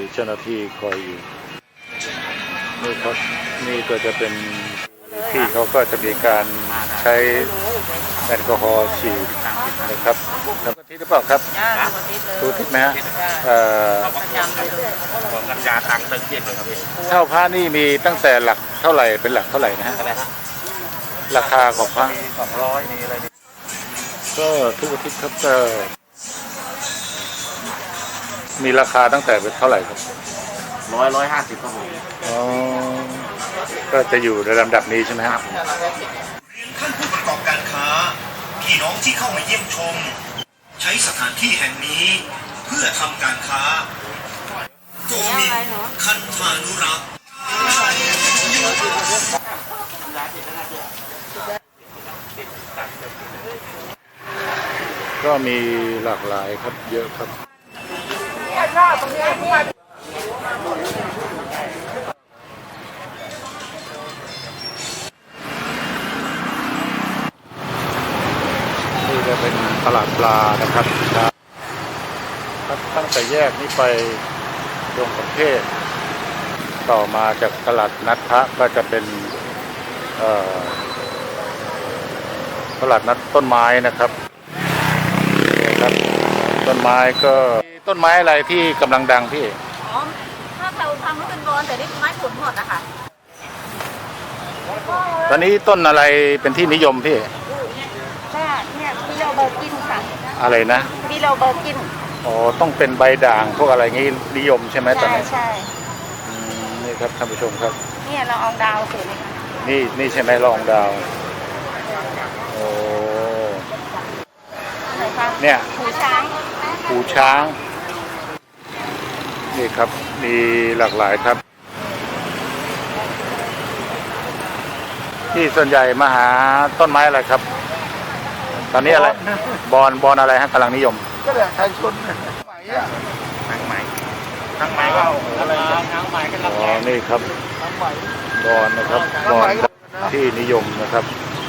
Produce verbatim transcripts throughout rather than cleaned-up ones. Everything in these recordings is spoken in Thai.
เจ้าหน้าที่คอยอยู่นี่ครับนี่ก็จะเป็นที่เขาก็จะมีการใช้แอลกอฮอล์ฉีดนะครับแล้วก็ที่หรือเปล่าครับทุกทิศไหมฮะของกัญชาทางเติมเย็นเลยครับพี่เช่าพระนี่มีตั้งแต่หลักเท่าไหร่เป็นหลักเท่าไหร่นะฮะราคาของพระสองร้อยนี่อะไรนี่ก็ทุกอาทิตย์ครับก็มีราคาตั้งแต่เป็นเท่าไหร่ครับร้อยร้อยห้าสิบครับผมอ๋อก็จะอยู่ในลำดับนี้ใช่ไหมครับท่านผู้ประกอบการค้าพี่น้องที่เข้ามาเยี่ยมชมใช้สถานที่แห่งนี้เพื่อทำการค้าโกมินคันธานุรักษ์ก็มีหลากหลายครับเยอะครับนี่จะเป็นตลาดปลานะครับครับตั้งแต่แยกนี้ไปดงประเทศต่อมาจากตลาดนัดพระก็จะเป็นตลาดนัดต้นไม้นะครับครับต้นไม้ก็ต้นไม้อะไรที่กำลังดังพี่อ๋อถ้าเราทำให้เป็นบอลแต่นี่ไม้ผลหมดนะคะตอนนี้ต้นอะไรเป็นที่นิยมพี่เนี่ยบิโลเบอร์กินค่ะอะไรนะบิโลเบอร์กินอ๋อต้องเป็นใบด่างพวกอะไรงี้นิยมใช่ไหมตอนนี้ใช่นี่ครับท่านผู้ชมครับเนี่ยเราเอาดาวสวยไหมคะนี่นี่ใช่ไหมลองดาวโอ้เนี่ยหูช้างหูช้างนี่ครับมีหลากหลายครับที่ส่วนใหญ่มาหาต้นไม้อะไรครับตอนนี้อะไรบอลบอลอะไรฮะกำลังนิยมก็เลยไทยชนไหมอ่ะทางไหมทางไหมก็อะไรทางไหมกันอ๋อนี่ครับบอลนะครับบอลที่นิยมนะครับ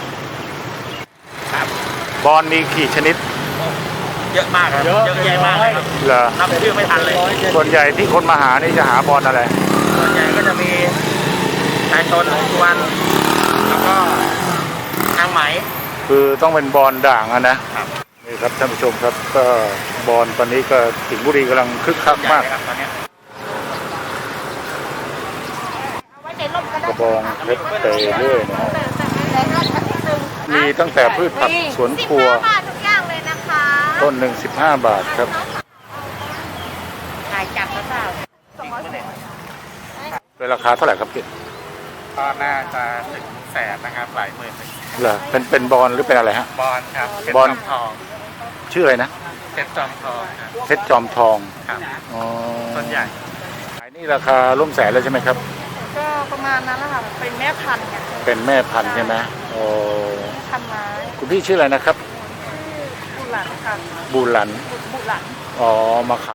บอลมีกี่ชนิดเยอะมากครับเยอะแยะมากเลยครับเหรอนับชื่อไม่ทันเลยส่วนใหญ่ที่คนมาหานี่จะหาบอลอะไรส่วนใหญ่ก็จะมีไทยชนทุกวันแล้วก็ทางไหมคือต้องเป็นบอลด่างนะนี่ครับท่านผู้ชมครับก็บอลตอนนี้ก็สิงห์บุรีกำลังคึกคักมากกระบองเพชรเตยเรื่อยนะมีตั้งแต่พืชผักสวนครัวต้นหนึ่งสิบห้าบาทครับขายจับแล้วเปล่าเป็นราคาเท่าไหร่ครับพี่ก็น่าจะถึงแสนนะครับหลายหมื่นเหรอเป็นเป็นบอลหรือเป็นอะไรฮะบอลครับบอลทองชื่ออะไรนะเพชรจอมทองเพชรจอมทองครับอ๋อต้นใหญ่ขายนี่ราคาร่วมแสนเลยใช่ไหมครับก็ประมาณนั้นแหละค่ะเป็นแม่พันธุ์เนี่ยเป็นแม่พันธุ์ใช่ไหมโอ้พันไม้คุณพี่ชื่ออะไรนะครับบุหลันค่ะบุหลันบุหลันอ๋อมา